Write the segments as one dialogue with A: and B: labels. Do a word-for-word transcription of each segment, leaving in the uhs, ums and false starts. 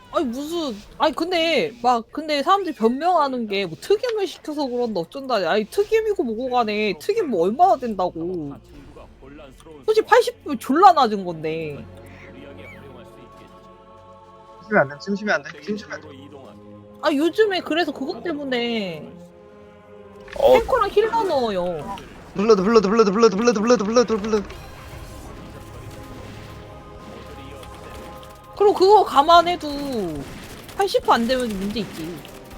A: 아니 무슨 아니 근데 막 근데 사람들이 변명하는 게 뭐 특임을 시켜서 그런다 어쩐다 아니 특임이고 뭐고 간에 특임 뭐 얼마나 된다고 솔직히 팔십 분 졸라 낮은 건데
B: 침시면 안 돼. 침시면 안 돼. 침시면 안 돼.
A: 아 요즘에 그래서 그것 때문에
C: 어,
A: 탱커랑 힐러 넣어요
B: 블러드 블러드 블러드 블러드 블러드 블러드 블러드 블러드.
A: 그리고 그거 감안해도 팔십 퍼센트 안 되면 문제 있지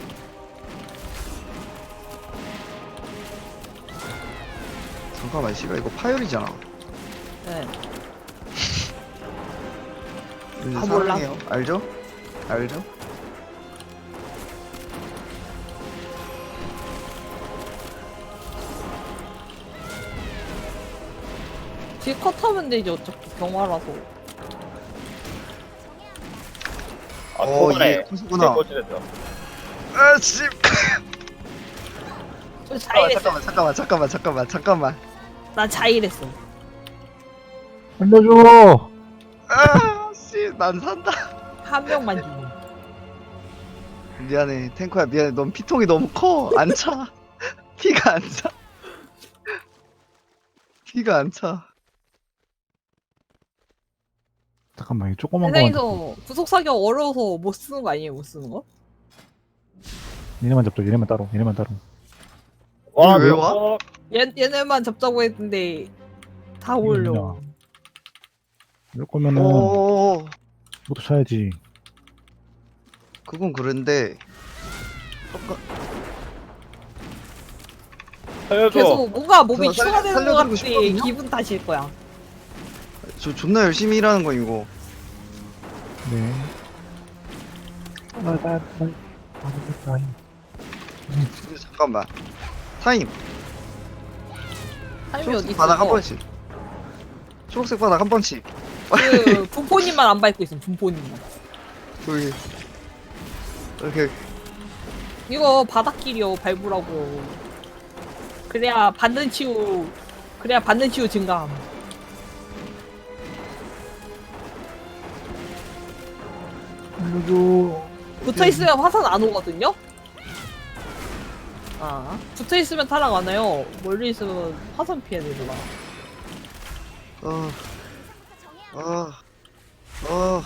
B: 잠깐만 씨발 이거 파열이잖아.
A: 네.
B: 왠지
A: 아, 몰라.
B: 사랑해요. 알죠? 알죠?
A: 뒤에 컷하면 되지 어차피 경화라서
C: 아,
B: 어,
C: 초반에
B: 이게 컷이구나.
C: 꽂히겠다.
B: 아 씨.
A: 저
B: 잠깐만
A: 자일했어
B: 잠깐만 잠깐만 잠깐만 잠깐만 잠깐만.
A: 나 자일했어
D: 살려줘!
B: 아 씨, 난 산다.
A: 한 명만 주고
B: 미안해 탱커야 미안해. 넌 피통이 너무 커. 안 차. 피가 안 차. 피가 안 차.
D: 잠깐만, 이 조그만 거.
A: 세상에서 구속 사격 어려워서 못 쓰는 거 아니에요 못 쓰는 거?
D: 얘네만 잡자, 얘네만 따로, 얘네만 따로.
C: 와,
B: 왜
C: 몇
B: 와?
C: 번?
A: 얘, 얘네만 잡자고 했는데 다 올려
D: 뭐냐. 이럴 거면은,
B: 오,
D: 모두 쳐야지.
B: 그건 그런데
C: 살려줘.
A: 계속 뭔가 몸이
B: 저 살려-
A: 추가되는 것
B: 살려드리고
A: 같지
B: 싶거든요?
A: 기분 탓일 거야
B: 저 존나 열심히 일하는 거 이거.
D: 네. 나, 나, 나, 나, 나,
B: 근데 잠깐만. 타임.
A: 타임이
B: 초록색
A: 어디
B: 바닥 한
A: 있어
B: 번씩. 초록색 바닥 한 번씩.
A: 그 분포님만 안 밟고 있어 분포님만
B: 저기 이렇게
A: 이거 바닥길이요 밟으라고 그래야 받는 치유 그래야 받는 치유 증가함
D: 살려줘.
A: 붙어있으면 화산 안 오거든요? 아 붙어있으면 타락 안 와요 멀리 있으면 화산 피해야 되더라
B: 어, 어, 어,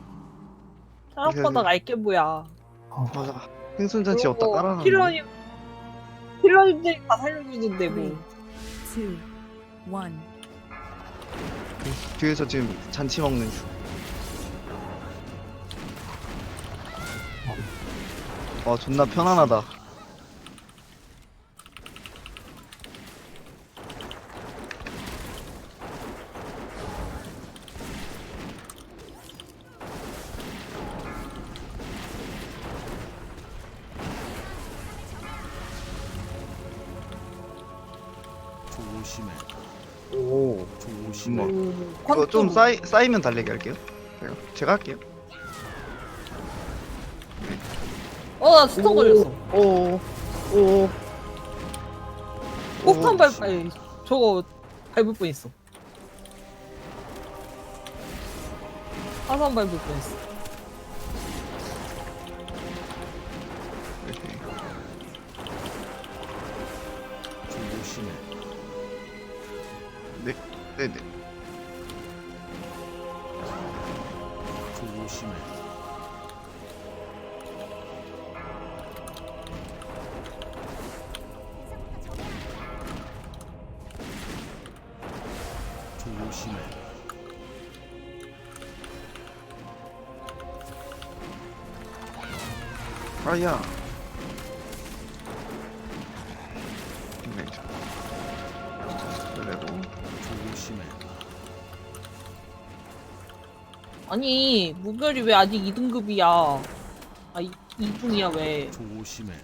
A: 타락바닥 알게 뭐야
B: 맞아. 생존잔치 어디다 깔아놨네.
A: 힐러님 힐러님들이 다 살려주는데 뭐
E: two, one.
B: 뒤에서 지금 잔치 먹는 중. 와 존나 편안하다.
F: 조심해.
B: 오,
F: 조심해.
B: 정말.
A: 음,
B: 이거 좀
A: 퀀텀.
B: 쌓이 쌓이면 달리기 할게요. 제가 제가 할게요.
A: 어, 나 스톤 걸렸어.
B: 오, 오,
A: 폭탄
B: 오.
A: 밟, 아니, 저거 밟을 뻔 했어. 화산 밟을 뻔 했어.
B: 이렇게.
F: 조심해.
B: 네, 네, 네.
F: 조심해. 조심해.
B: 아야. 네. 그리고
F: 조심해.
A: 아니, 무별이 왜 아직 이 등급이야? 아, 이, 이 등이야, 왜?
F: 조심해.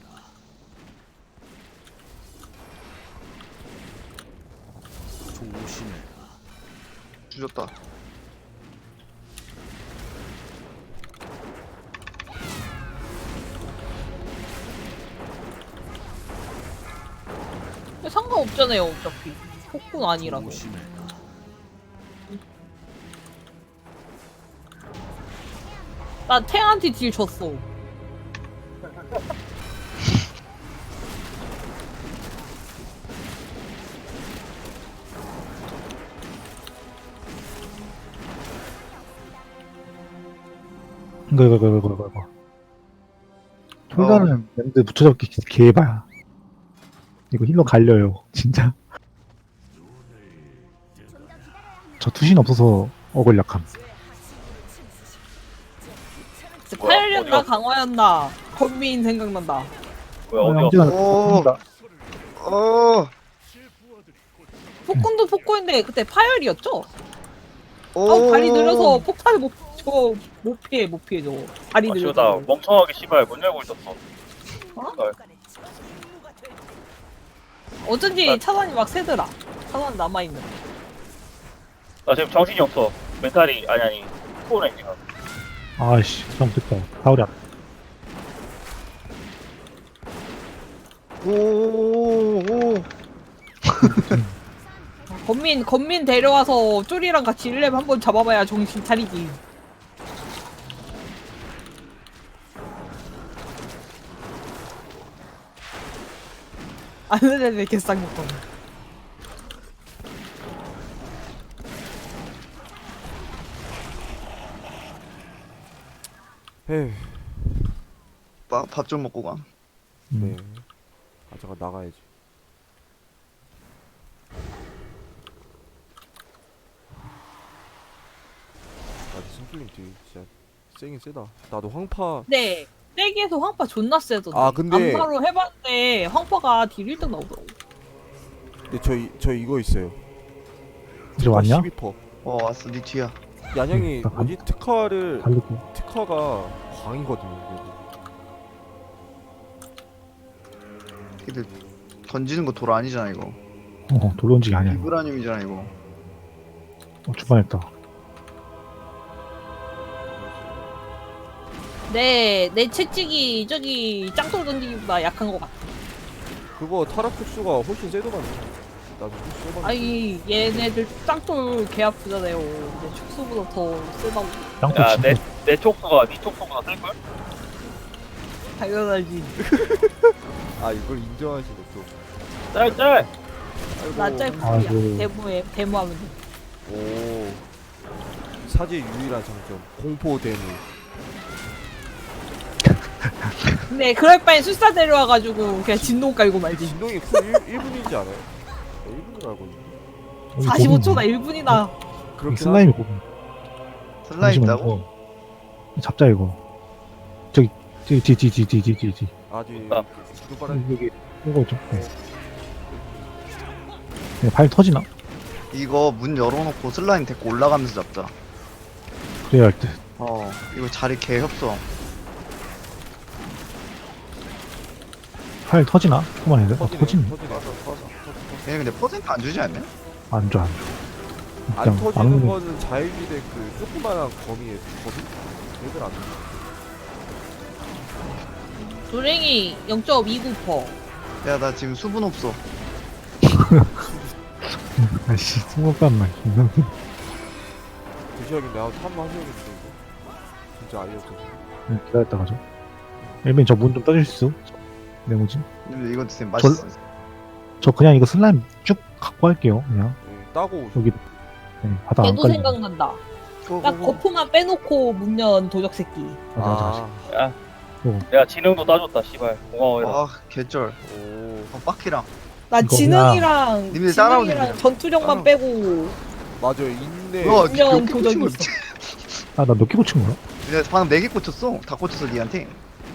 F: 조심해.
B: 주셨다.
A: 근데 상관없잖아요, 어차피. 폭군 아니라서.
F: 조심해.
A: 나 탱한테 딜 줬어.
D: 이거 이거 이거 이거 이거 이거 톨다는 랜드 붙여잡기 개봐야 이거 힐러 갈려요 진짜. 저 투신 없어서 어글 약함.
A: 파열이었나
C: 어디가?
A: 강화였나 건민 생각난다.
C: 뭐야
D: 어,
C: 어디가?
D: 형제가
B: 오.
D: 바꾼다.
B: 어.
A: 폭군도 폭군인데 그때 파열이었죠?
B: 오.
A: 아 발이 느려서 폭탄을 못, 저거 못 피해 못 피해 저거 발이
C: 아 씨발
A: 느려서.
C: 나 멍청하게 씨발 문 열고 있었어.
A: 어?
C: 씨발.
A: 어쩐지
C: 아.
A: 차단이 막 새더라. 차단 남아있는.
C: 나 지금 정신이 없어. 멘탈이 아니 아니 코어네 지금.
D: 아이씨 잘못했다. 사울이 안.
B: 오. 오.
A: 건민 건민 데려와서 쪼리랑 같이 일 렙 한번 잡아봐야 정신 차리지. 안 되네 개쌍욕건.
G: 에휴,
B: 밥 좀 먹고 가.
G: 네. 아, 잠깐 나가야지. 아, 승필님 되게 진짜 세긴 세다. 나도 황파.
A: 네. 세기에서 황파 존나 세던데.
G: 아, 근데-
A: 안파로 해봤는데 황파가 딜 일 등 나오더라고.
G: 근데 저, 이- 저 이거 있어요.
D: 이제 왔냐?
G: 십이 퍼센트.
B: 어 왔어 네 뒤야.
G: 얀양이
D: 나
G: 뭐지? 특화를
D: 달리고.
G: 특화가 광이거든요. 그래도.
B: 걔들 던지는 거 돌 아니잖아 이거.
D: 어 돌던지기 아니야 이거.
B: 비브라늄이잖아 이거.
D: 어 주반했다.
A: 내, 내 채찍이 저기 짱돌 던지기보다 약한 것 같아.
G: 그거 타락 촉수가 훨씬 세더만. 나도 좀 세봤는데.
A: 아니, 얘네들 짱돌 개 아프잖아요. 근데 축소보다 더 세다고.
D: 짱돌
C: 야
D: 진짜.
C: 내 내 촉수가 네 촉수보다 셀 걸?
A: 당연하지.
G: 아, 이걸 인정하시네 또.
C: 짤짤.
G: 아이고.
A: 나 짤풀이야.
D: 아이고.
A: 데모에, 데모하면 돼.
G: 오. 사제 유일한 장점. 공포 대무.
A: 근데 그럴 바엔 술사 데려와가지고 그냥 진동 깔고 말지.
G: 진동이 쿨 일 분이지 않아요? 일 분으로 알고 있는데.
A: 사십오 초나 일 분이나.
G: 그렇긴
D: 슬라임이
G: 하죠.
D: 고분.
B: 슬라임 있다고?
D: 잡자 이거. 저기 저기 뒤뒤뒤뒤뒤뒤.
G: 아직
C: 아.
G: 두바라
D: 여기 이거 좀. 네. 네, 발 터지나?
B: 이거 문 열어놓고 슬라임 데리고 올라가면서 잡자.
D: 그래야 할 듯.
B: 어 이거 자리 개 협소.
D: 팔 터지나? 조금만 해야 돼? 어,
G: 터지네.
D: 터지네.
G: 터지네. 터져, 터져, 터져.
B: 얘네 근데 퍼센트 안 주지 않냐?
D: 안 좋아, 안 좋아.
G: 안
D: 일단
G: 터지는
D: 막는
G: 거는 자일비대 그 조그만한 거미에 거미? 얘들 안 돼.
A: 조랭이 영 점 이구 퍼센트.
B: 야 나 지금 수분 없어.
D: 아씨, 승모감만.
G: 드셔야겠네. 아, 한번 하셔야겠는데 이거. 진짜 아이였죠.
D: 기다렸다 가죠. 엘빈 저 문 좀 떠줄 수? 네모지?
B: 근데 이거 진짜 맛있어.
D: 저 그냥 이거 슬라임 쭉 갖고 할게요. 그냥
G: 네, 따고 오죠.
D: 여기 네, 바닥 안
A: 걔도
D: 깔리게.
A: 생각난다.
B: 고,
A: 딱
B: 고, 고.
A: 거프만 빼놓고 문연 도적 새끼.
D: 맞아, 맞아, 맞아.
G: 아,
C: 내가 지능도 따줬다 씨발. 고마워요.
B: 아 개쩔.
G: 오.
B: 어, 빡키랑.
A: 나
D: 이거
A: 지능이랑
B: 님들 따라오세요,
A: 지능이랑
B: 그냥.
A: 전투력만
B: 따라오.
A: 빼고
G: 맞아요. 인내.
B: 너
A: 분명
B: 몇개 꽂힌 거
A: 도전이
B: 있지?
D: 아, 나 몇 개 고친 거야?
B: 내가 방금 네 개 꽂혔어. 다 꽂혔어 니한테.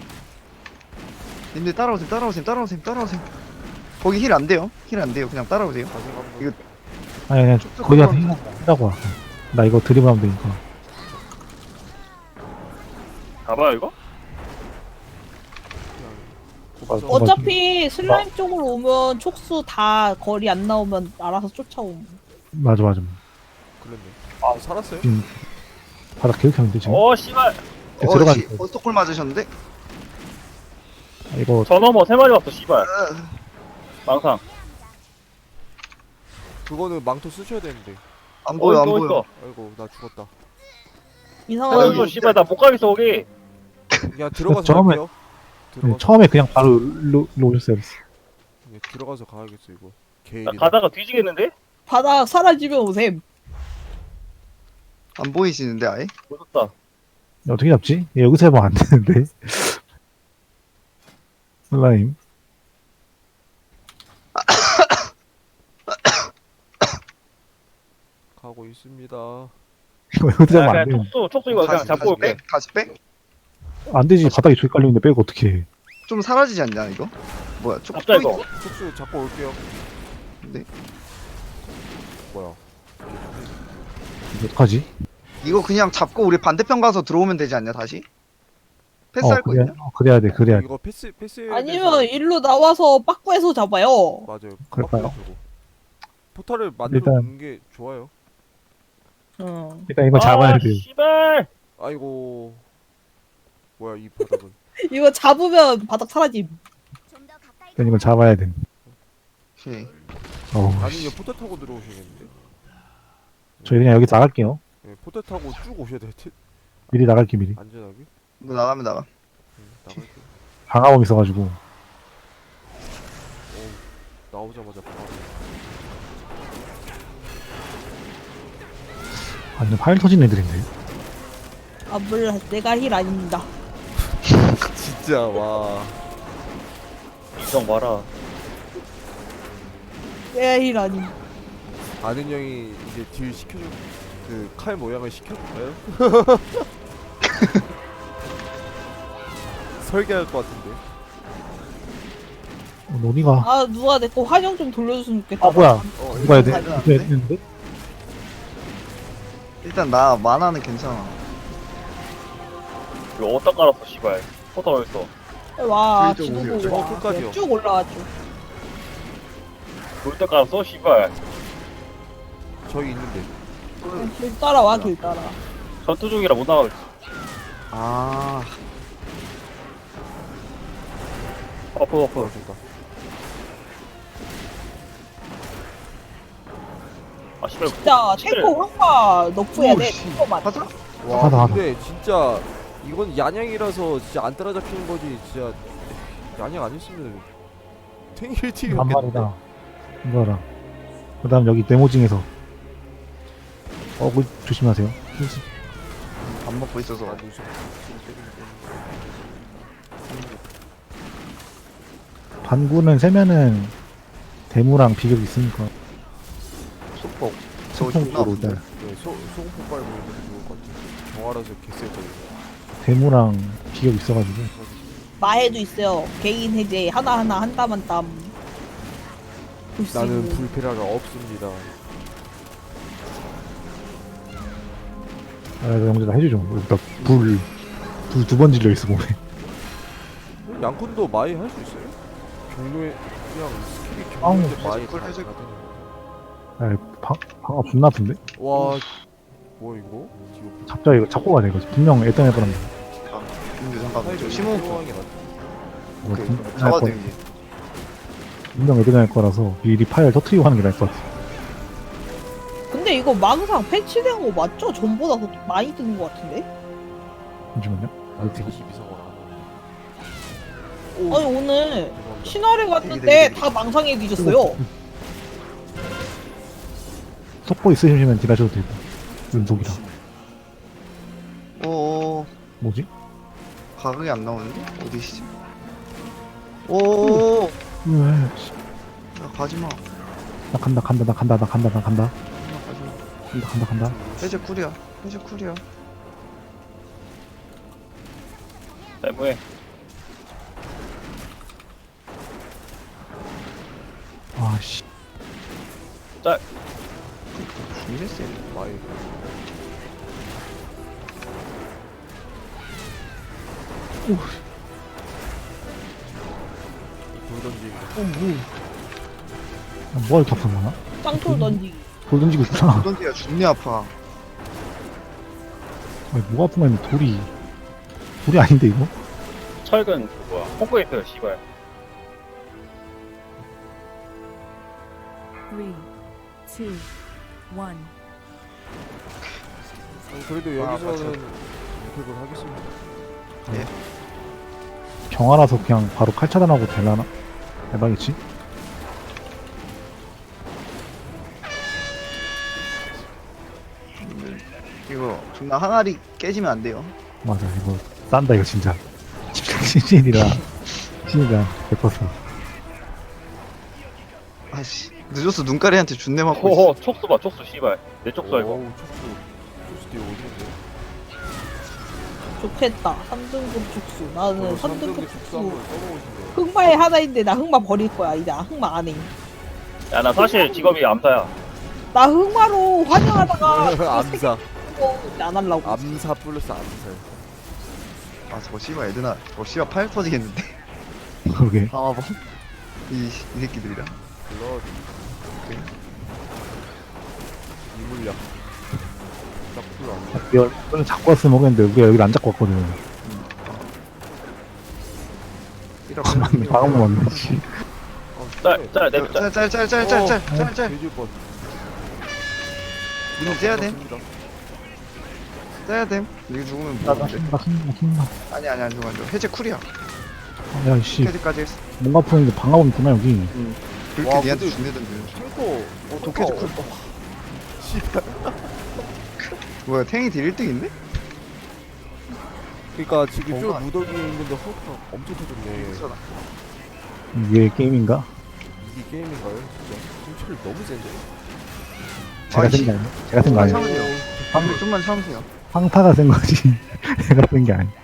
B: 님들 따라오세요 따라오세요 따라오세요 따라오세요. 거기 힐 안 돼요. 힐 안 돼요. 그냥 따라오세요.
G: 다시 한번.
B: 이거-
D: 아니, 그냥
B: 쭉쭉
D: 거기 가서
B: 끌어오세요.
D: 한다고 와. 나 이거 드리블 하면 되니까.
C: 가봐요 이거?
D: 맞아.
A: 어차피 슬라임 쪽으로 오면 촉수 다 거리 안 나오면 알아서 쫓아옴.
D: 맞아, 맞아.
G: 그랬네. 아, 살았어요?
D: 지금 바닥 계속 하는데 지금.
C: 어 씨발.
D: 네, 들어가.
B: 어씨 버스콜 맞으셨는데?
D: 아, 이거
C: 저 넘어 세 마리 왔어 씨발.
B: 으,
C: 망상.
G: 그거는 망토 쓰셔야 되는데.
B: 안 보여 안
C: 또
B: 보여.
C: 있어.
G: 아이고, 나 죽었다.
A: 이상한
C: 아유 씨발 나 못 가겠어 거기.
G: 그냥 들어가서
D: 처음에-
G: 갈게요.
D: 네,
G: 들어가서
D: 처음에 그냥 바로 로, 로 오셨어야 됐어.
G: 예, 들어가서 가야겠어 이거.
C: 나
G: 게일이다.
C: 가다가 뒤지겠는데?
A: 바닥 사라지면 오셈.
B: 안 보이시는데 아예?
C: 무섭다.
D: 어떻게 잡지? 얘 여기서 해보면 안 되는데. 슬라임.
G: 가고 있습니다.
D: 이거 여기서 잡으면
C: 야,
D: 안
C: 그냥
D: 되는.
C: 촉수 촉수 이거 그냥
B: 다시,
C: 잡고
B: 다시
C: 올게.
B: 빼? 다시 빼?
D: 안 되지. 바닥에 저기 깔려있는데 빼고 어떻게 해.
B: 좀 사라지지 않냐 이거? 뭐야 쪽
C: 잡자 이거.
G: 촉수 잡고 올게요.
B: 네.
G: 뭐야?
D: 이거 어떡하지?
B: 이거 그냥 잡고 우리 반대편 가서 들어오면 되지 않냐 다시?
D: 어,
B: 패스할 거
D: 그래야,
B: 있냐?
D: 어, 그래야 돼. 그래야 돼.
G: 이거 패스 패스.
A: 아니면 일로 나와서 빠꾸에서 잡아요.
G: 맞아요.
D: 그럴까요?
G: 빡빡이 주고. 포탈을 만들어
D: 일단-
G: 놓는 게 좋아요.
A: 응.
D: 일단 이거 잡아야
C: 아,
D: 돼.
C: 씨발.
G: 아이고. 뭐야 이 바닥은.
A: 이거 잡으면 바닥 사라짐.
D: 일단 이거 잡아야 돼.
B: 오케이.
D: 어우,
G: 아니
D: 씨.
G: 이거 포탈 타고 들어오셔야겠는데.
D: 저희 그냥 여기 나갈게요.
G: 예, 포탈 타고 쭉 오셔야 될 듯.
D: 미리 나갈게, 미리.
G: 안전하게.
B: 뭐 나가면 나가.
G: 응, 나갈게.
D: 방화범 있어가지고.
G: 어우, 나오자마자 바로.
D: 아, 근데 파일 터진 애들인데.
A: 아 몰라 내가 힐 아닙니다.
G: 진짜 와.
C: 인정 마라.
A: 내가 힐 아님.
G: 아는 형이 이제 딜 시켜줄 그 칼 모양을 시켜줄까요? 설계할 것 같은데.
D: 어, 어디가?
A: 아 누가 내 거 환영 좀 돌려줬으면 좋겠다.
D: 아, 뭐야.
B: 어,
D: 누가 해야 돼?
B: 일단
D: 누가
B: 가야
D: 해야
B: 되는데?
D: 되는데?
B: 일단 나 만화는 괜찮아.
C: 이거 어디다 깔았어 씨발. 포터 어딨어?
A: 와
B: 좀
A: 지도
B: 올려.
A: 보고
G: 저
A: 와.
G: 끝까지요.
A: 쭉 올라왔죠.
C: 돌때 깔았어 씨발.
G: 저기 있는데.
A: 길 따라와 길 따라.
C: 전투 중이라 못 나가겠어.
B: 아
C: 버프 버프.
G: 그렇습니다.
C: 아 씨발.
A: 진짜 탱커 황파 너프해야 돼.
B: 오씨.
A: 탱커만.
B: 하자.
G: 와
D: 하다, 하다.
G: 근데 진짜 이건 야냥이라서 진짜 안 따라잡히는 거지. 진짜 야냥 아니었으면 탱일 티
D: 한 마리다. 이거 알아. 그 다음 여기 네모징에서. 어, 그 조심하세요.
B: 밥 먹고 있어서.
G: 아 무슨
D: 반구는 세면은 대무랑 비격 있으니까.
B: 속복. 저거 존나
D: 소통으로
B: 아픈데.
D: 네.
G: 네, 소 소금포 빨고 있는 좋을 것 같아. 경화라서 개쎄 거든요.
D: 대무랑 비격 있어가지고.
A: 마해도 있어요. 개인 해제 하나 하나 한 땀 한 땀. 볼 수
G: 나는
A: 있는.
G: 불ፔ라가 없습니다.
D: 아, 영재가 해주죠. 여기다 불, 불 두 번 질려 있어, 몸에.
G: 양쿤도 마이 할 수 있어요? 경로에 그냥 스킬이
D: 아우,
G: 경로인데 마이
B: 해줄 걸,
G: 다
B: 해줄
G: 가더니.
D: 아, 방, 방아 존나 아픈데?
G: 와, 뭐 이거? 지금
D: 잡자, 이거 잡고 가자, 이거. 분명 애던 애던
B: 근데 잠깐만 저 심호흡
G: 상황이 나.
D: 이거
B: 오케이
D: 분- 할 거-
B: 잡아드리지.
D: 분명 애던 할 거라서 미리 파일 터트리고 하는 게 나을 것 같아.
A: 근데 이거 망상 패치된 거 맞죠? 전보다 더 많이 뜨는 거 같은데?
D: 잠시만요. 어디
G: 다시 비상어라.
A: 아니 오늘
G: 죄송합니다.
A: 신화를 갔는데
B: 되게, 되게.
A: 다 망상에 뒤졌어요.
D: 속보 있으시면 딜하셔도 되고. 연속이라.
B: 오
D: 뭐지?
B: 가격이 안 나오는데 어디시지? 오.
D: 왜?
B: 야, 가지마.
D: 나 간다, 간다, 나 간다, 나 간다, 나 간다.
B: 가지마.
D: 간다, 간다, 간다.
B: 해제 쿨이야. 해제 쿨이야.
C: 자 뭐해?
D: 아, 씨.
B: 이랬어.
G: 마이. 돌 던지.
A: 어, 뭐.
D: 아, 뭐가 이렇게 아픈 거야?
A: 짱돌 던지기.
D: 돌 던지고 있구나.
B: 던지야 존내 아파.
D: 아니, 뭐가 아픈 거야? 돌이. 돌이 아닌데, 이거?
C: 철근 그 뭐야? 홍보했어요 씨발.
E: Three, two, one.
G: 아니, 그래도
B: 아,
G: 여기서는 이득을 하겠습니다.
D: 경화라서 그냥 바로 칼 차단하고 되려나? 대박이지?
B: 이거 존나 항아리 깨지면 안 돼요.
D: 맞아, 이거 싼다, 이거 진짜. 신이라, 신이라, 백 퍼센트.
B: 아씨 늦었어. 눈가리한테 준내 맞고 있어.
C: 호호 촉수 봐 촉수 씨발 내 촉수 알고
G: 어우, 촉수. 촉수 뒤에 어디인데?
A: 좋겠다. 삼 등급 축수. 나는 삼
G: 삼
A: 등급
G: 축수
A: 축수.
G: 한번 써보신대요.
A: 흑마에 하나 있는데 나 흑마 버릴 거야. 이제 흑마 안 해.
C: 야 나 사실 직업이 암사야
A: 나 흑마로 환영하다가
G: 암사.
A: 이제 안 하려고.
G: 암사 플러스 암살.
B: 아 저거 씨발 애드나 저거 씨발 팔 터지겠는데.
D: 그러게.
B: 방화범 이, 이 새끼들이랑.
G: 블러드. 이물약. 딱 풀로 안
D: 이걸 잡고 왔으면 모르겠는데, 우리가 여기를 안 잡고 왔거든.
B: 이렇게.
D: 맞네, 방금 왔네, 씨.
C: 짤짤 내짤
B: 짤짤짤짤짤짤짤.
G: 돼질 뻔.
B: 이거 째야 돼. 째야 돼. 이거 죽으면
D: 나,
B: 뭐
D: 나
B: 돼?
D: 힘나, 힘나, 힘나.
B: 아니 아니 안 죽어 안 죽어. 해제 쿨이야.
D: 아, 야, 씨.
B: 해제까지 했어.
D: 뭔가 푸는데 방어범 있구나, 여기.
B: 그렇게
G: 와,
B: 니한테
G: 근데-
B: 준대던데.
G: 탱커.
B: 어 독해제 쿨.
G: 씨발.
B: 뭐야 탱이 딜 일 등인데?
G: 그니까 지금 뼈
B: 뭔가-
G: 무더기에 있는데 허브가 엄청 터졌네.
D: 이게 게임인가?
G: 이게 게임인가요? 진짜. 진철 너무 센데.
D: 제가
B: 아이씨.
D: 센 게 아니야. 제가 센 거 아니야.
B: 참으세요. 방금 좀만 참으세요.
D: 황타가 센 거지. 제가 센 게 아니야.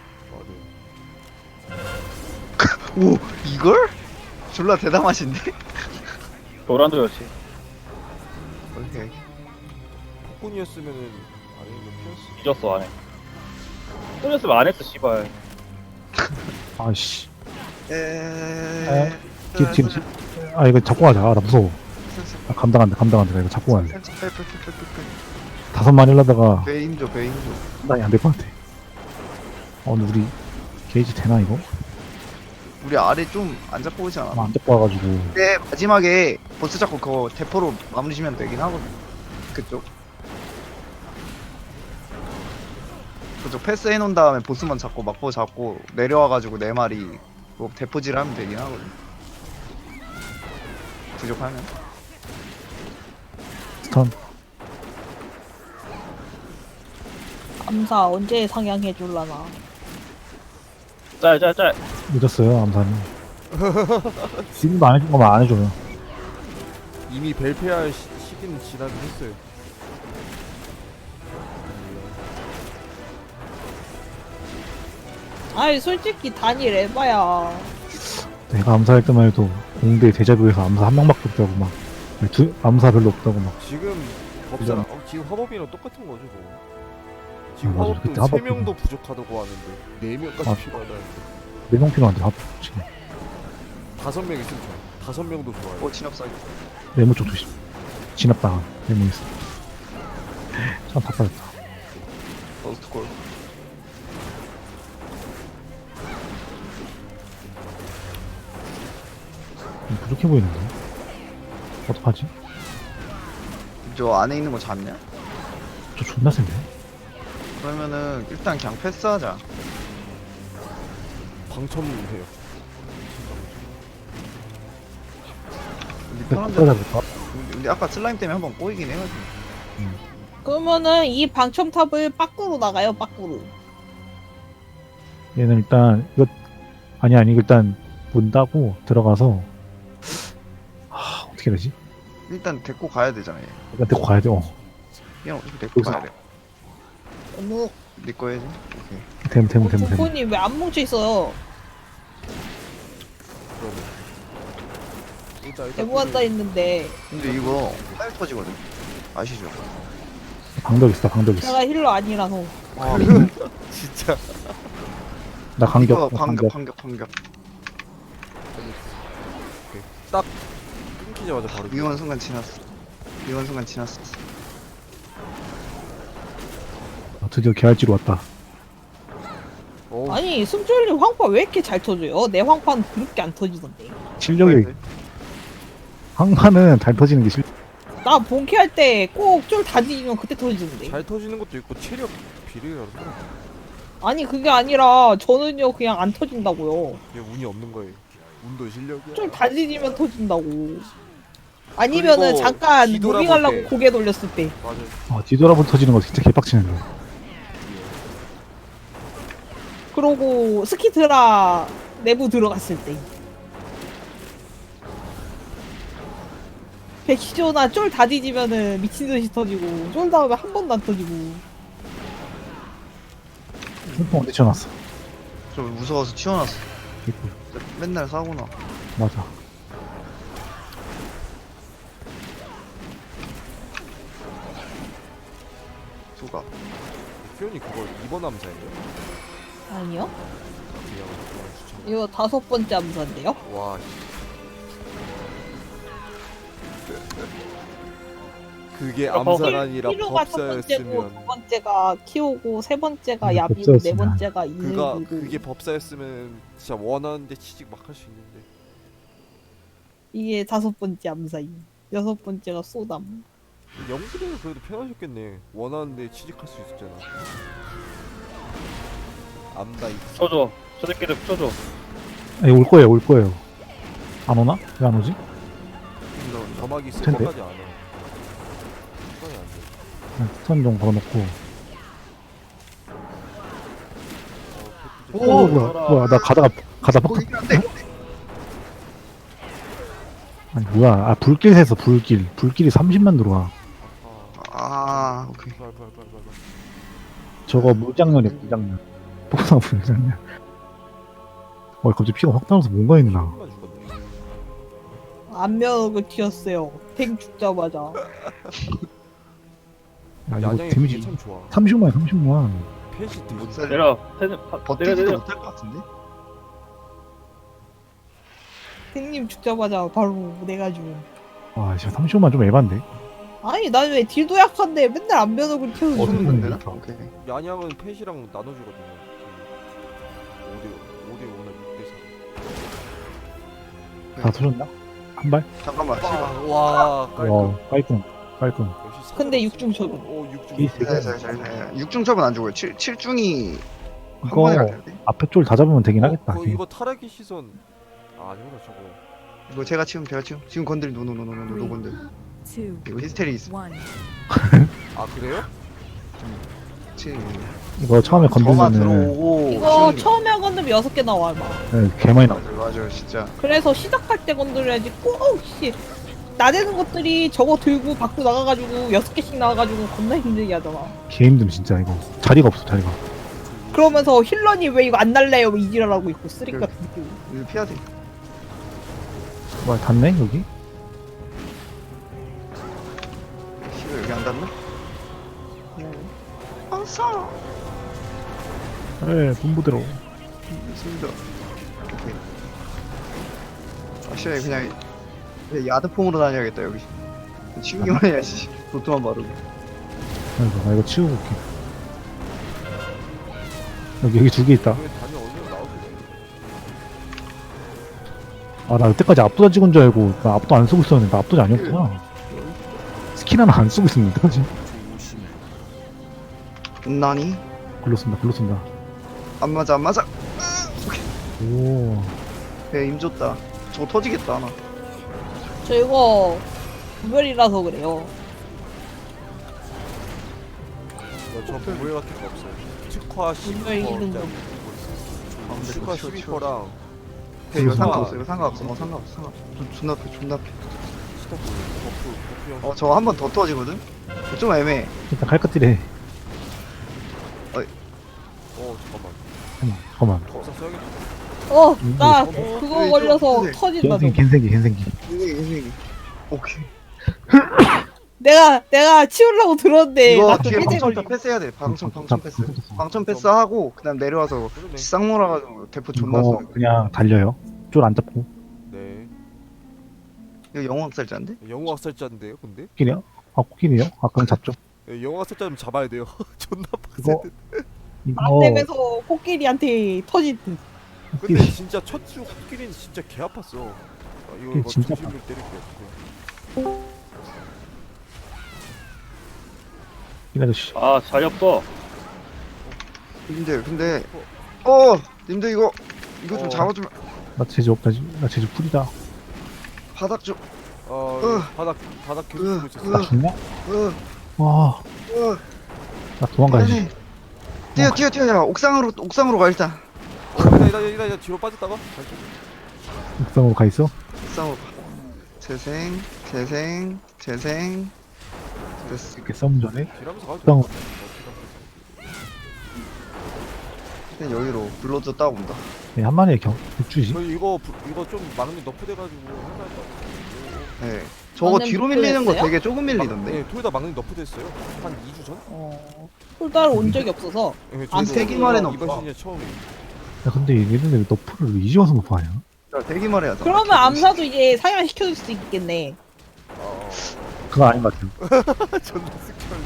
G: 맞아.
B: 오 이걸? 졸라 대담하신데?
C: 도란도였지
B: 오케이.
G: 폭군이었으면은 아니면 피었어.
C: 잊었어 안해 끊었으면 안 했어 씨발
D: 아씨.
B: 에.
D: 뒤, 뒤, 뒤. 아, 이거 잡고 가자. 아, 나 무서워. 나 감당 안 돼, 감당 안 돼. 나 이거 잡고 가야 돼. 다섯 마리 하려다가
B: 배 힘줘 배 힘줘.
D: 판단이 안 될 것 같아. 어, 근데 우리 게이지 되나, 이거?
B: 우리 아래 좀 안 잡고 오지 않아?
D: 아마 안 잡고 와가지고.
B: 근데 마지막에 보스 잡고 그거 대포로 마무리 지면 되긴 하거든. 그쪽. 그쪽 패스 해놓은 다음에 보스만 잡고 막보 잡고 내려와가지고 네 마리 뭐 대포질 하면 되긴 하거든. 부족하면.
D: 스턴.
A: 감사 언제 상향해 줄라나.
C: 짤짤짤
D: 늦었어요, 암사는. 지금도 안 해준 거면 안 해줘요.
G: 이미 벨페할 시, 시기는 지나긴 했어요.
A: 아이 솔직히 단일 에바야.
D: 내가 암사할 때만 해도 공대 대자뷰에서 암사 한 명밖에 없다고 막. 두, 암사 별로 없다고 막.
G: 지금 법사랑 어, 지금 화법이랑 똑같은 거죠, 뭐. 지금
D: 아, 맞아. 그때
G: 화법도 세
D: 화법
G: 명도 부족하다고 하는데 네 명까지
D: 아.
G: 필요하다는데
D: 네명 필요한데, 합, 지금.
G: 다섯 명 있으면 좋아요. 다섯 명도 좋아요.
B: 어 진압사기.
D: 네모 쪽 조심. 진압당한. 네모 있어. 참 답답했다.
B: 버스트 골.
D: 좀 부족해 보이는데? 어떡하지?
B: 저 안에 있는 거 잡냐?
D: 저 존나 센데?
B: 그러면은 일단 그냥 패스하자.
G: 방첨해요.
B: 우리
D: 근데
B: 편한
D: 못
B: 데.
D: 따라잡을까?
B: 근데 아까 슬라임 때문에 한번 꼬이긴 해가지고.
A: 그러면은 이 방첨탑을 밖으로 나가요. 밖으로.
D: 얘는 일단, 이거, 아니, 아니, 일단, 문 닫고 들어가서, 아, 어떻게 되지?
B: 일단 데리고 가야 되잖아 얘.
D: 일단 데리고 가야 돼, 어.
B: 그냥 어차피 데리고
D: 여기서.
B: 가야 돼.
A: 어머,
B: 네 거 해야지. 오케이.
D: 됨, 됨, 됨, 됨.
A: 부모님 왜 안 뭉쳐 있어요?
G: 그러면 일단 일단
A: 대부 앉아 있는데
B: 근데 이거 팔 터지거든. 아시죠?
D: 방벽 있어, 방벽 있어.
A: 제가 힐러 아니라서.
B: 아,
G: 진짜
D: 나 간격,
B: 이거
D: 나
B: 반격
D: 간격.
B: 반격 반격.
G: 딱 끊기자마자 바로
B: 위험한 순간 지났어. 위험한 순간 지났어.
D: 아, 드디어 개할지로 왔다.
G: 어우,
A: 아니 승철님 황파 왜 이렇게 잘 터져요? 내 황파는 그렇게 안 터지던데.
D: 실력이, 항마는 잘 터지는 게 실,
A: 나 본캐 할 때 꼭 쫄 다 뒤지면 그때 터지는데.
G: 잘 터지는 것도 있고 체력 비례가 다르더라.
A: 아니 그게 아니라 저는요 그냥 안 터진다고요.
G: 그게 운이 없는 거예요. 운도 실력이야.
A: 쫄 다 뒤지면 터진다고. 아니면은
G: 그리고
A: 잠깐
G: 뒤돌아볼
A: 무빙하려고
G: 때.
A: 고개 돌렸을 때.
G: 맞아.
D: 아, 뒤돌아보면 터지는 거 진짜 개빡치는 거.
A: 그러고 스키트라 내부 들어갔을 때. 백시조나 쫄 다 뒤지면은 미친듯이 터지고 쫄 다음에 한 번도 안 터지고.
D: 핸드폰 어디 쳐놨어?
B: 저 무서워서 치워놨어.
D: 개꿀.
B: 맨날 싸구나.
D: 맞아.
B: 수가.
G: 표현이 그거 이번 암사예요?
A: 아니요?
G: 그냥 그냥 추천.
A: 이거 다섯 번째 암사인데요?
G: 와. 씨. 그게
C: 어,
G: 암사가 아니라
A: 필요가 첫 번째고
G: 법사였으면
A: 두 번째가 키오고 세 번째가
D: 이게
A: 야비고 네
D: 법사였으면.
A: 번째가
G: 그가
A: 이슬이고.
G: 그게 법사였으면 진짜 원하는데 취직 막 할 수 있는데
A: 이게 다섯 번째 암사임. 여섯 번째가 소담.
G: 영수는 그래도 편하셨겠네. 원하는데 취직할 수 있었잖아. 암다 이
C: 쳐줘. 저 새끼들 쳐줘.
D: 아니, 올 거예요, 올 거예요. 안 오나? 왜 안 오지?
G: 점막이 있을
D: 텐데?
G: 것까지 안 해. 시간이 안 돼.
D: 그냥 스턴 좀 걸어놓고.
G: 어,
B: 오,
G: 패키지.
D: 어, 뭐야, 뭐야, 나 가다가, 가다가
B: 어,
D: 팍,
B: 이게 안 돼.
D: 아니, 뭐야. 아, 불길 세서 불길. 불길이 삼십만 들어와.
G: 아,
B: 아, 오케이.
G: 발, 발, 발, 발, 발.
D: 저거 물장면이야, 물장면. 폭상 물장면. 어, 갑자기 피가 확 나와서 뭔가 있나.
G: 조금만 죽었네.
A: 안면을 튀었어요. 탱 죽자마자.
D: 야, 이거
G: 야냥이
D: 데미지
G: 그게 참 좋아.
D: 삼십만, 삼십만.
G: 펜시
B: 못
G: 되게
B: 살려.
C: 내려. 패는 파- 내려
B: 버티지도
C: 내려.
B: 못할 것 같은데?
A: 탱님 죽자마자 바로 내가 죽음.
D: 와, 진짜 삼십만 좀 에반데?
A: 아니 난 왜 딜도 약한데 맨날 안면을 튀어서
D: 어디
A: 죽는
B: 안
D: 있는
B: 되나?
D: 거야?
B: 오케이.
G: 야냥은 펜시랑 나눠주거든요. 오 대 오 대 오나 육 대 사.
D: 다 터졌나? 한 발?
B: 잠깐만. 시간.
G: 와, 깔끔.
D: 와, 깔끔, 깔끔.
G: 역시
A: 근데
G: 사람
A: 육중
G: 진짜-
A: 처분.
G: 어, 육중.
D: 이-
B: 잘, 잘, 잘, 잘. 육중 처분 안 죽어요. 칠, 칠중이 한
D: 이거
B: 번에 갈 텐데.
D: 앞에 쫄 다 잡으면 되긴
G: 어,
D: 하겠다.
G: 그거 이거 타락의 시선. 아, 아니구나 저거.
B: 이거 제가 치움, 제가 치움. 지금 건드리, 노노노노노, 노 건들.
E: two,
B: 이거 히스테리 있어.
E: one.
G: 아 그래요?
B: 칠.
D: 이거 처음에
B: 저만
D: 건들면은
B: 들어오고.
A: 이거
B: 치우는 게.
A: 처음에 건드면 여섯 개 나와 막.
D: 네, 개 많이 나와.
B: 맞아요, 맞아요, 진짜.
A: 그래서 시작할 때 건드려야지. 꼭 씨. 나대는 것들이 저거 들고 밖으로 나가가지고 여섯 개씩 나와가지고 겁나 힘들게 하잖아.
D: 개 힘듦 진짜 이거. 자리가 없어 자리가.
A: 그러면서 힐러니 왜 이거 안 날래요? 왜 이지랄하고 있고 쓰레기 같은 느낌.
B: 이거 피해야 돼.
D: 뭐야 닿네 여기?
B: 씨발 여기 안 닿나? 아싸.
D: 에 분부대로.
B: 있습니다. 오케이. 아, 씨발 그냥 그냥 야드폼으로 다녀야겠다 여기. 치우기만 해야지. 도트만 바르고.
D: 아이고 나 이거 치우고 올게. 여기 여기 두 개 있다.
G: 왜 단이 어디로 나오지?
D: 아 나 여태까지 압도자 찍은 줄 알고 나 압도 안 쓰고 있었는데 나 압도자 아니었구나. 스킨 하나 안 쓰고 있었는데 여태까지.
F: 조심해.
B: 나니?
D: 글로 쓴다 글로 쓴다.
B: 안 맞아 안 맞아.
D: 오.
B: 배힘 줬다. 저거 터지겠다 하나.
A: 저 이거 구별이라서 그래요.
G: 저 부회 같은 거 없어요. 특화
A: 분명히
G: 십퍼
A: 있는
G: 짜리
A: 거.
B: 아, 근데
G: 특화
B: 그거 치워, 치워.
G: 십퍼랑
B: 배 이거
D: 무슨
B: 상관없어 이거 상관없어. 어 상관없어 상관없어. 존- 존나 패 존나 패.
G: 스타프 버프 버프 형.
B: 어 저거 한 번 더 터지거든? 좀 애매해.
D: 일단 칼끝질해.
G: 어 잠깐만.
D: 잠깐만 잠깐만.
G: 법사 써야겠다.
A: 어, 나
B: 어,
A: 그거
B: 네,
A: 걸려서
B: 네.
A: 터진다.
D: 갠생기
A: 저거.
D: 갠생기 갠생기.
B: 인생이 인생이. 오케이.
A: 내가 내가 치우려고 들었는데
B: 이거
A: 나또
B: 뒤에
A: 해제
B: 방천
A: 걸리고.
B: 패스해야 돼. 방천 방천 패스.
D: 방천
B: 방천 패스 하고 그다음 내려와서
G: 그러네.
B: 싹 몰아가지고 대포 존나
D: 이거
B: 쏘는 거.
D: 그냥 달려요. 쫄 안 잡고.
G: 네.
B: 이거 영웅학살자인데?
G: 영웅 학살자인데요, 근데?
D: 코끼리요? 아 코끼리요? 아 그럼 잡죠.
G: 예, 영웅 학살자면 잡아야 돼요. 존나
D: 이거
G: 빡센데.
D: 이거
A: 안 되면서 코끼리한테 터질 듯.
G: 근데
D: 코끼리.
G: 진짜 첫주 코끼리는 진짜 개 아팠어. 아, 이거
D: 코끼리
G: 이거
D: 진짜
G: 중심을 때릴게요.
D: 이 아저씨.
C: 아 자리 없어.
B: 님들 근데 어 님들 이거 이거 좀
G: 어.
B: 잡아주면
D: 나 제주 없다. 나 제주 풀이다.
B: 바닥 좀
G: 어
B: 으.
G: 바닥 바닥 계속
B: 으,
G: 보고 있었어.
B: 으.
D: 나 죽냐?
B: 으,
D: 와,
B: 으.
D: 나 도망가야지.
B: 아니, 뛰어 뛰어 뛰어 야 옥상으로 옥상으로 가 일단
G: 어, 이다 이다 이다 이다 뒤로 빠졌다가 다시.
D: 옥상으로 가 있어?
B: 옥상으로 가 재생 재생 재생 됐어
D: 이렇게 싸움 전에
G: 뒤라면서 가도
D: 옥상.
G: 돼.
B: 그냥 여기로 블러드 따고 온다
D: 네, 한 마리에 경 육주지.
G: 저희 이거 부- 이거 좀 막내 너프돼가지고 할만할 것 같아요.
B: 네 저거
A: 막내
B: 뒤로 밀리는 거
A: 목표였어요?
B: 되게 조금 밀리던데
G: 네, 토요다 막내 너프됐어요. 한 이 주 전?
A: 어. 폴달 온 적이 없어서.
G: 네,
A: 안
G: 저희도
B: 세기만에는
G: 이번
B: 없어.
G: 시즌 처음이에요.
D: 야, 근데 얘네들 왜 너프를 이제 와서 너프하냐?
B: 자 대기만 해야 돼
A: 그러면 암사도 이제 상향 시켜줄 수 있겠네.
G: 아,
D: 그건 아닌 것 같아요.
G: 존나 스킬.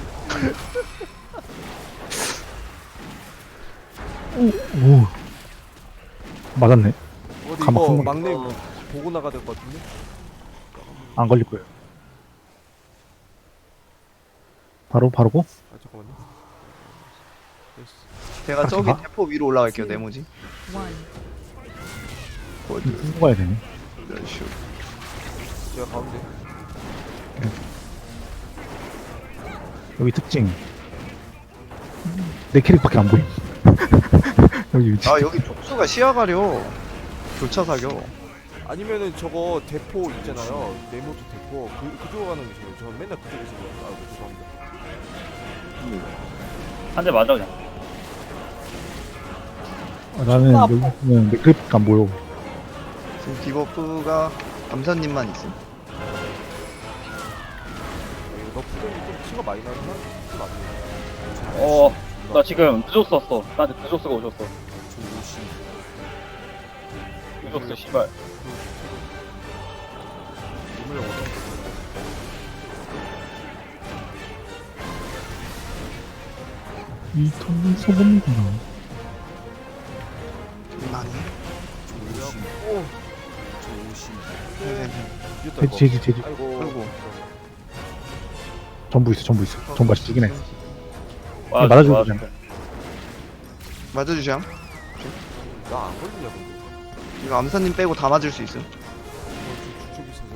D: 오, 맞았네.
G: 어디
D: 가막
G: 이거
D: 한
G: 막내
B: 어.
G: 보고 나가야 될 것 같은데?
D: 안 걸릴 거예요. 바로 바로고?
G: 아 잠깐만요. 됐어.
B: 제가
D: 같이
B: 저기
D: 가?
B: 대포 위로 올라갈게요 네모지
E: one.
B: 골드
D: 끌고 가야 되네.
B: 슈
G: 제가 가운데.
D: 여기 특징. 내 캐릭밖에 안 보임. 여기 위치.
B: 아 여기 촉수가 시야 가려 교차 사격
G: 아니면은 저거 대포 있잖아요. 네모드 대포. 그 그쪽으로 가는 게 좋아요. 저 맨날 그쪽에서 그래요. 아 죄송합니다.
C: 한 대 맞아 그냥.
D: 아, 나는
A: 아,
D: 여기는 내 캐릭밖에 안 보여.
B: 지금 디버프가 암사님만 있음
G: 이거 너프점이 좀 티가 많이 나긴 한좀 아니에요.
C: 어, 나 지금 늦었어 왔어. 나한테 늦었어가 오셨어.
F: 조심.
C: 늦었어 씨발.
G: 눈물 얻어.
D: 이 톤은 소금이구나.
B: 많이
F: 조심.
G: 오.
F: 조심.
G: 이겼다
D: 제지
G: 이거.
D: 제지 제지.
G: 아이고.
B: 아이고.
D: 전부 있어 전부 있어. 전부 맛이 두긴 해.
C: 맞아,
D: 맞아주고
C: 맞아.
D: 그냥.
B: 맞아주죠
G: 나안 걸리냐 근데.
B: 이거 암사님 빼고 다 맞을 수 있음
G: 이거 좀 축축이 있어서.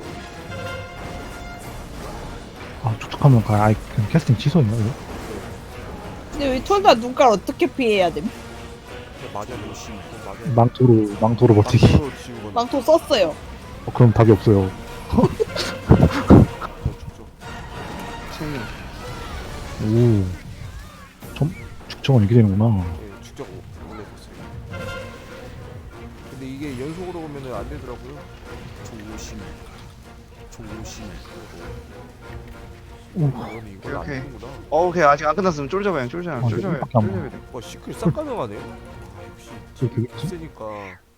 D: 아 촉촉하면 가. 아이 그냥 캐스팅 취소했나 이거?
A: 근데 왜 톨달 눈깔 어떻게 피해야 돼?
G: 그냥 맞아 조심. 그냥 맞아.
D: 망토로 망토로 버티기.
G: 망토로 지우거나.
A: 망토 썼어요.
D: 어, 그럼 답이 없어요.
G: 더 축축.
B: 챙겨
D: 오. 점 축청은 이렇게 되는구나.
G: 예, 축적 올려줬어요. 근데 이게 연속으로 보면은 안 되더라고요.
F: 조심. 조심.
D: 오.
G: 이거는 이걸 안
B: 오케이.
G: 되는구나.
B: 어 오케이 아직 안 끝났으면 쫄져봐요 쫄져봐요
D: 아,
B: 쫄져봐요
D: 여기밖에 안
B: 쫄져봐야 돼
G: 와 시클 싹 가능하네. 역시
D: 저 되겠지?
G: 세니까.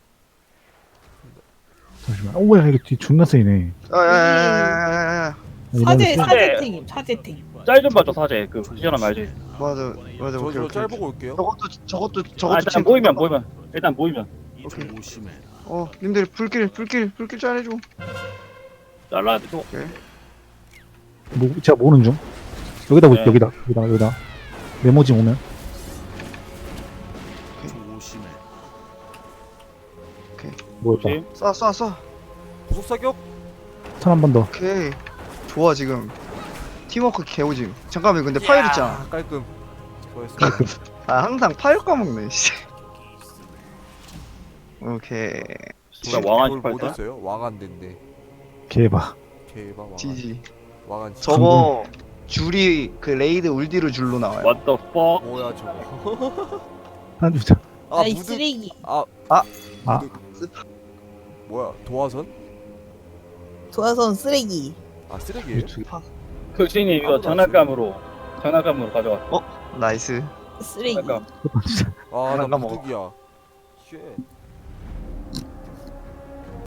D: 잠시만. 오야 이거 뒤 존나 세네.
B: 아야야야야야야
A: 사제
D: 이러면
A: 사제팀 사제팀.
C: 짤 좀 봐줘 사제. 그 시전함 알지?
B: 맞아 맞아
G: 저
B: 오케이
G: 저
B: 오케이
G: 짤
B: 오케이.
G: 보고 올게요.
B: 저것도 저것도
C: 아,
B: 저것도
C: 일단
B: 챙겨.
C: 모이면 모이면. 일단 모이면.
B: 오케이.
F: 조심해.
B: 어 님들 불길 불길 불길 잘해줘
C: 잘라야 돼. 저거.
D: 뭐 제가 모르는 중. 여기다 보
C: 네.
D: 여기다 여기다 여기다. 메모지 오면.
F: 조심해.
D: 뭐였다.
C: 조심.
B: 쏴 쏴 쏴
G: 구속 사격.
D: 턴 한 번 더.
B: 오케이 좋아 지금 팀워크 개오짐 잠깐만 근데 파일 있잖아
G: 아, 깔끔. 수고했어.
B: 아 항상 파일 까먹네 씨 오케이
C: 진짜 왕한
G: 못
C: 팔자.
G: 했어요? 왕한 된대.
D: 개봐.
G: 개바 왕한.
B: 지지
G: 왕한. 지-
B: 저거 줄이 그 레이드 울디르 줄로 나와요
C: What the fuck?
G: 뭐야 저거?
D: 한 주자.
G: 아
A: 아이
G: 무드.
A: 쓰레기.
G: 아
B: 아.
D: 아.
G: 무드. 뭐야 도화선?
A: 도화선 쓰레기.
G: 아 쓰레기예요?
D: 유튜브.
C: 그 주인님 이거
G: 아무도 안
C: 장난감으로 장난감으로 가져와.
B: 나이스
A: 쓰레기.
C: 잠깐.
G: 아나
B: 잠깐 먹어.
G: 무득이야. 쉣.